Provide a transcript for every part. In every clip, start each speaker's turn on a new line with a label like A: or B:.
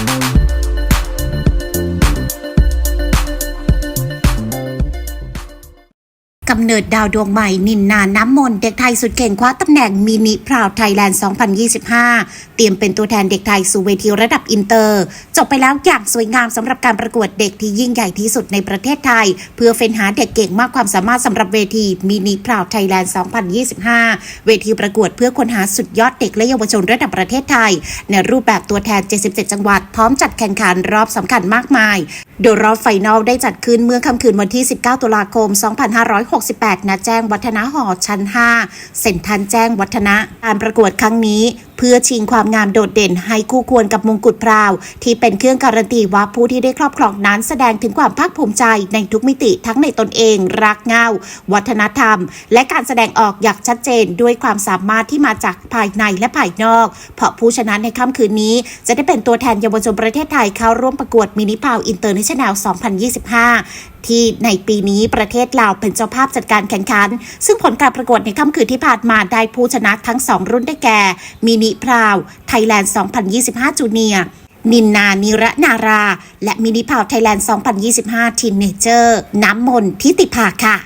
A: กำเนิดดาวดวงใหม่นินนาน้ำมนต์เด็กไทยสุดเก่งคว้าตำแหน่งมินิพราวไทยแลนด์ 2025 เตรียมเป็นตัวแทนเด็กไทยสู่เวทีระดับอินเตอร์จบไปแล้วอย่างสวยงามสำหรับการประกวดเด็กที่ยิ่งใหญ่ที่สุดในประเทศไทยเพื่อเฟ้นหาเด็กเก่งมากความสามารถสำหรับเวทีมินิพราวไทยแลนด์ 2025 เวทีประกวดเพื่อค้นหาสุดยอดเด็กและเยาวชนระดับประเทศไทยในรูปแบบตัวแทน 77 จังหวัดพร้อมจัดแข่งขันรอบสำคัญมากมายโดยรอบไฟนอลได้จัดขึ้นเมื่อค่ำคืนวันที่ 19 ตุลาคม 2568 ณ แจ้งวัฒนะหอ ชั้น 5 เซ็นทรัลแจ้งวัฒนะการประกวดครั้งนี้เพื่อชิงความงามโดดเด่นให้คู่ควรกับมงกุฎพราวที่เป็นเครื่องการันตีว่าผู้ที่ได้ครอบครองนั้นแสดงถึงความภาคภูมิใจในทุกมิติทั้งในตนเองรากเหง้าวัฒนธรรมและการแสดงออกอย่างชัดเจนด้วยความสามารถที่มาจากภายในและภายนอกเพราะผู้ชนะในค่ำคืนนี้จะได้เป็นตัวแทนเยาวชนประเทศไทยเข้าร่วมประกวดมินิพราวอินเตอร์เนชั่นแนล 2025 ที่ในปีนี้ประเทศลาวเป็นเจ้าภาพจัดการแข่งขันซึ่งผลการประกวดในค่ำคืนที่ผ่านมาได้ผู้ชนะทั้ง2รุ่นได้แก่มินิพราวไทยแลนด์ 2025 จูเนียร์นินนานิระนาราและมินิพราวไทยแลนด์ 2025 ทีนเนเจอร์น้ำมนต์ทิติภาค่ะ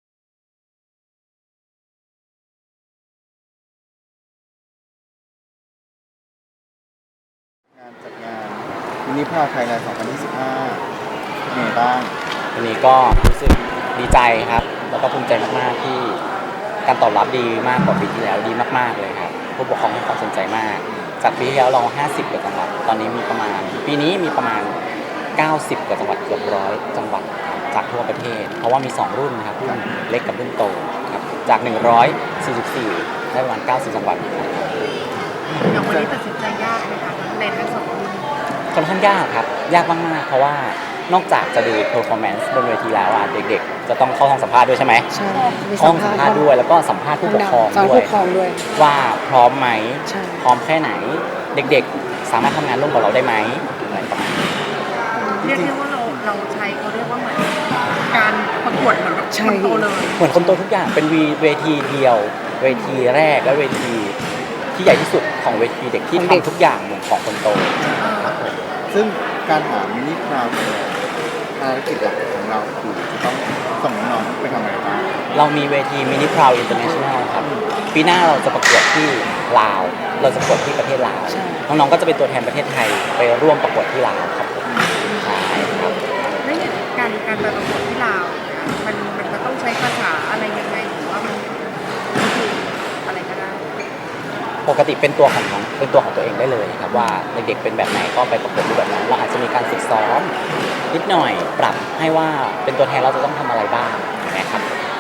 B: จัดงานมินิพราวไทยแลนด์ 2025 เป็นไงบ้าง
C: วันนี้ก็รู้สึกดีใจครับแล้วก็ภูมิใจมากๆที่การตอบรับดีมากกว่าปีที่แล้วดีมากๆเลยครับผู้ปกครองให้ความสนใจมากจากปีที่แล้วเรา50กว่าจังหวัดตอนนี้มีประมาณปีนี้มีประมาณ90กว่าจังหวัดเกือบ100จังหวัดจากทั่วประเทศเพราะว่ามี2รุ่นนะครับรุ่นเล็กกับรุ่นโตครับจาก144ได้ประมาณ90จังหวัด
D: อย่างวันนี้ตัดสินใจยากไหมคะในทั้ง2รุ่น
C: ค่อนข้างยากครับยากมากๆเพราะว่านอกจากจะดู performance บนเวทีแล้วเด็กๆจะต้องเข้าห้องสัมภาษณ์ด้วยใช่ไหม
E: ใช่
C: ห้องสัมภาษณ์ด้วยแล้วก็สัมภาษณ์ผู้ปกครองด้วยว่าพร้อมไหมพร้อมแค่ไหนเด็กๆสามารถทำงานร่วมกับเราได้ไหมอะไรประมาณนี้
D: เรียกได้ว่าเราใช้เขาเรียกว่าเหมือนการประกวดเหมือนคนโตเลย
C: เหมือนคนโตทุกอย่างเป็นเวทีเดียวเวทีแรกและเวทีที่ใหญ่ที่สุดของเวทีเด็กที่ทำทุกอย่างเหมือนของคนโต
B: ซึ่งการหามินิพราวภารกิจหลักของเราคือจะต้องส่งน้องไปทำอะไรบ้าง
C: เรามีเวทีมินิพราวอินเตอร์เนชั่นแนลครับปีหน้าเราจะประกวดที่ลาวเราจะประกวดที่ประเทศลาวน้องๆก็จะเป็นตัวแทนประเทศไทยไปร่วมประกวดที่ลาวครับใช่ครับ
D: แล้วการไปประกวดที่ลาวมันต้องใช้ภาษาอะไรยังไงหรือว่ามันคืออะไรก็ได้
C: ปกติเป็นตัวของตัวเองได้เลยครับว่าเด็กๆเป็นแบบไหนก็ไปประกวดรูปแบบนั้นเราอาจจะมีการฝึกซ้อมนิดหน่อยปรับให้ว่าเป็นตัวแทนเราจะต้องทำอะไรบ้างนะครับ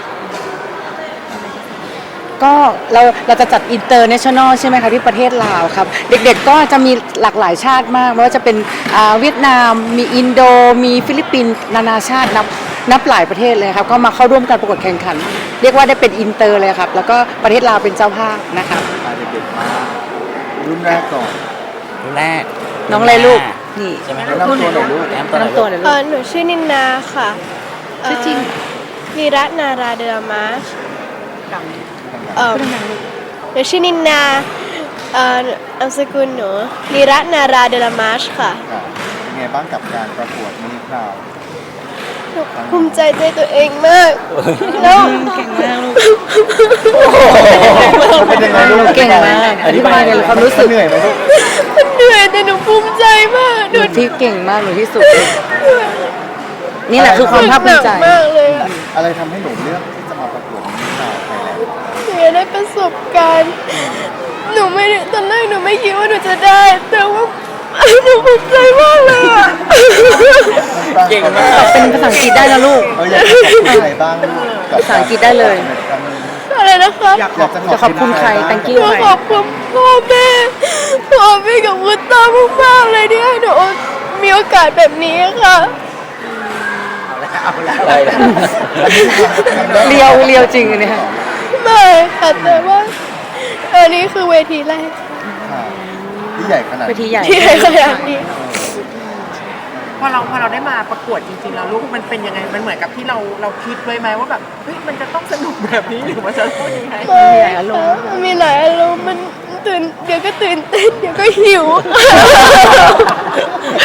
E: ก็เราจะจัดอินเตอร์เนชั่นแนลใช่ไหมคะที่ประเทศลาวครับเด็กๆก็จะมีหลากหลายชาติมากไม่ว่าจะเป็นเวียดนามมีอินโดมีฟิลิปปินส์นานาชาตินับหลายประเทศเลยครับก็มาเข้าร่วมการประกวดแข่งขันเรียกว่าได้เป็นอินเตอร์เลยครับแล้วก็ประเทศลาวเป็นเจ้าภาพนะคะ
B: เด็กๆมารุ่นแรกก่อน
C: รุ่นแรก
E: น้องอะไรลูกนี่
C: ใช่ไหม
B: น้ำตัวหน่อยลูก
E: น้ำตัวหน่อยลูก
F: หนูชื่อนินนาค่ะ
E: ชื่อจริง
F: นิรัตนาราเดลมาชหนูชื่อนินนานามสกุลหนูนิรัตนาราเดลมาชค่ะ
B: เป็นไงบ้างกับการประกวดมินิพราว
F: ภูมิใจตัวเองมากแล้ว
E: เก่งมากลูก
B: เป็นยังไงลูก
E: เก่งมากอธิบายในความรู้สึก
B: เหนื่อยไหมลูก
F: เหนื่อยแต่หนูภูมิใจมาก
E: หนูที่เก่งมากหนูที่สุดนี่แหละคือความภาคภูมิใจ
F: มากเลย
B: อะไรทำให้หนูเลือกที่จะมาประกวดมินิพราวไทยแลนด์
F: หนูได้ประสบการณ์หนูไม่ตอนแรกหนูไม่คิดว่าหนูจะได้แต่ว่าหนูภูมิใจมากเลย
C: เก่งมาก
E: เป็นภาษาอังกฤษได้นะลูก
B: อยากจะขอบคุณใครบ้าง
E: ภาษาอังกฤษได้เลย
F: อะไรนะคะ
E: อยากจะขอบคุณใคร thank you
F: ขอบคุณพ่อแม่กับคุณตามากๆเลยที่ให้หนูมีโอกาสแบบนี้ค่ะ
E: เลียวจริงเนี่ย
F: ไม่ค่ะแต่ว่าอันนี้คือเวทีแรก
B: ที่ใหญ่ขนาด
E: ที่ใหญ่
F: ขนาดนี้
D: พอเราได้มาประกวดจริงๆแล้วลูกมันเป็นยังไงมันเหมือนกับที่เราคิดไว้ไหมว่าแบบเฮ้ยมันจะต้องสนุกแบบนี้หรือว่าจะต้องยังไง
E: มีหลายอารมณ์
F: มันเดี๋ยวก็ตื่นเต้นเดี๋ยวก็หิว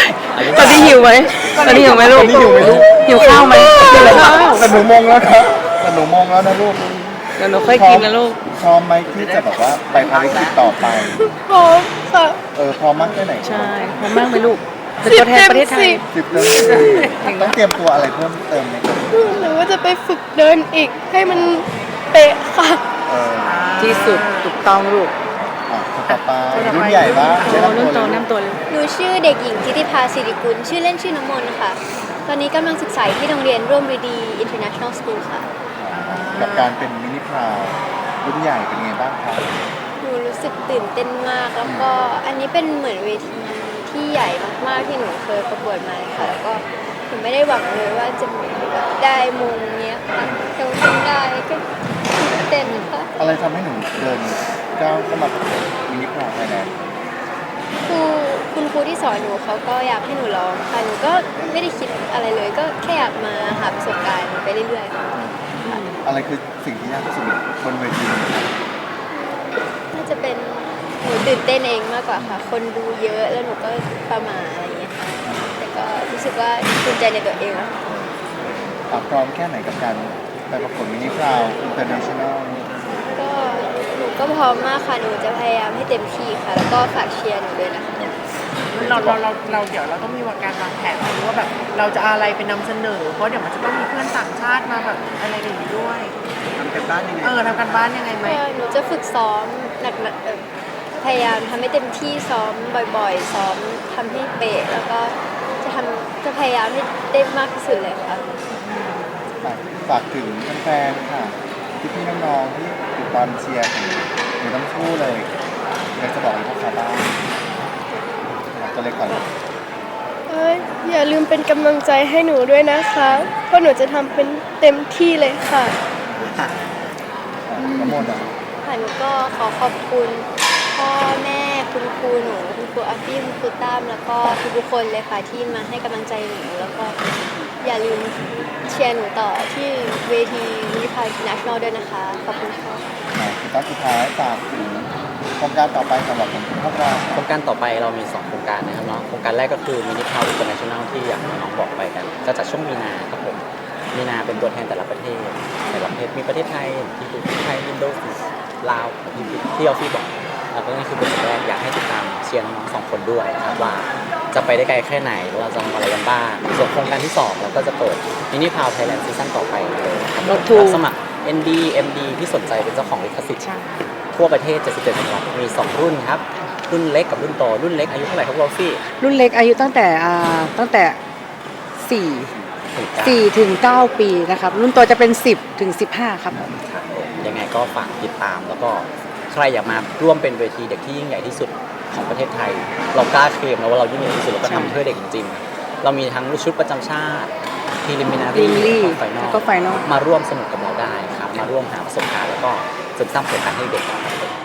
E: ตอนนี้หิวไหมลูก
B: ตอนนี้หิวไหมลูก
E: หิวข้าวไหมหิวข้าว
B: แต่หนูมองแล้วนะแต่หนูมองแล้วนะลูก
E: เดี๋ยวหนูค่อยกินนะลูก
B: พร้อมไหมที่จะแบบว่าไปภารกิจต่อไป
F: พร้อมค่ะ
B: พร้อมมากแค่ไหน
E: ใช่พร้อมมากไหมลูกเป็นตัวแทนประเทศไทย
B: 10 เดือนต้องเตรียมตัวอะไรเพิ่มเติมไหมครับ
F: หรือว่าจะไปฝึกเดินอีกให้มันเป๊ะค่ะ
B: เออ
E: ที่สุดถูกต้องลูก
B: คนต่อไปรุ่นใหญ่บ้าง
E: โอ้รุ่นโตน้ำตัวเลย
G: หนูชื่อเด็กหญิงทิติภาสิริกุลชื่อเล่นชื่อน้ำมนต์ค่ะ ตอนนี้กำลังศึกษาอยู่ที่โรงเรียนร่วมฤดี International School ค่ะ
B: กับการเป็นมินิพราวรุ่นใหญ่เป็นไงบ้างครับ
G: หนูรู้สึกตื่นเต้นมาก แล้วก็อันนี้เป็นเหมือนเวทีที่ใหญ่มากๆที่หนูเคยประกวดมาเลยค่ะ แล้วก็หนูไม่ได้หวังเลยว่าจะได้มงเนี้ยค่ะแต่ว่าทำได้ก็ตื่นเต้นค่ะ
B: อะไรทำให้หนูเดินก้าวเข้ามาประกวดมินิพราวไทยแลนด์
G: คุณครูที่สอนหนูเขาก็อยากให้หนูร้องค่ะ หนูก็ไม่ได้คิดอะไรเลย ก็แค่อยากมาหาประสบการณ์ไปเรื่อยๆค่ะ
B: อะไรคือสิ่งที่ยากที่สุดบนเวทีนี้ครับ
G: น่าจะเป็นหนูตื่นเต้นเองมากกว่าค่ะ คนดูเยอะแล้วหนูก็ประหมาอะไรอย่างเงี้ยค่ะ แต่ก็รู้สึกว่าภูมิใจในตัวเองอะค่ะ
B: พร้อมแค่ไหนกับการไปประกวดมินิพราวอินเตอร์เนชั่นแนล
G: ก็หนูก็พร้อมมากค่ะ หนูจะพยายามให้เต็มที่ค่ะ แล้วก็ฝากเชียร์หนูด้วยนะคะ
D: เราเดี๋ยวเราต้องมีการวางแผนไว้ว่าแบบเราจะเอาอะไรไปนำเสนอ เพราะเดี๋ยวมันจะต้องมีเพื่อนต่างชาติมาแบบอะไรอย่างนี้ด้วย
B: ทำกันบ้านยังไง
D: ทำกันบ้านยังไงไหม
G: ก็หนูจะฝึกซ้อมหนักพยายามทำให้เต็มที่ซ้อมบ่อยๆ ซ้อมทำให้เป๊ะแล้วก็จะพยายามให้ได้มากที่สุดเลยค่ะ
B: ฝากถึงแฟนๆค่ะพี่ๆน้องๆที่ติดตามเชียร์หนูทั้งคู่เลยอยากจะบอกอะไรพวกเขาบ้างตัวเล็กก่อนเลย
F: อย่าลืมเป็นกำลังใจให้หนูด้วยนะคะเพราะหนูจะทำเป็นเต็มที่เลยค่ะ
B: น้ำมนต์อ่ะ
G: ค่ะหนูก็ขอขอบคุณพ่อแม่คุณครูหนูคุณครูอาฟี่คุณครูตั้มแล้วก็ทุกๆคนเลยค่ะที่มาให้กำลังใจหนูแล้วก็อย่าลืมเชียร์หนูต่อที่เวทีมินิพายอินเตอร์เนชั่นแนลด้วยนะคะ ขอบคุณค่ะ
B: คือตั้งสุดท้ายฝากถึงโครงการต่อไปสำหรับพวกเรา
C: โครงการต่อไปเรามี 2 โครงการนะครับเนาะโครงการแรกก็คือมินิพาวอินเตอร์เนชั่นแนลที่อย่างน้องบอกไปกันจะจัดช่วงมีนาครับผมมีนาเป็นตัวแทนแต่ละประเทศมีประเทศไทยไทยอินโดนีเซียลาวที่ออฟฟี่บอกแล้วก็นี่คือเป็นสิ่งแรกอยากให้ติดตามเชียร์น้องๆ2 คนด้วยครับว่าจะไปได้ไกลแค่ไหนเราจะทำอะไรกันบ้างส่วนโครงการที่2เราก็จะเปิดมินิพาวไทยแลนด์ซีซั่นต่อไปเลยครับ
E: รถทู
C: รับสมัคร ND MD ที่สนใจเป็นเจ้าของลิขสิทธิ์ทั่วประเทศ77จังหวัดมี 2 รุ่นครับ รุ่นเล็กกับรุ่นโต รุ่นเล็กอายุเท่าไหร่ครับวอลฟี่
E: รุ่นเล็กอายุตั้งแต่4ถึง9 ปีนะครับ รุ่นโตจะเป็น10ถึง15ครับ
C: ครับผมยังไงก็ฝากติดตามแล้วก็ใครอยากมาร่วมเป็นเวทีเด็กที่ยิ่งใหญ่ที่สุดของประเทศไทย เรากล้าเคลมนะว่าเรายิ่งใหญ่ที่สุดเราก็ทำเพื่อเด็กจริงๆ เรามีทั้งชุดประจำชาติทีลิมินารี
E: Preliminary
C: ไฟนอ
E: แล้
C: ล
E: วก็ Final
C: มาร่วมสนุกกับเราได้ครับมาร่วมหาประสบการณ์แล้วก็เสริมสร้างประสบการณ์ให้เด็กครับ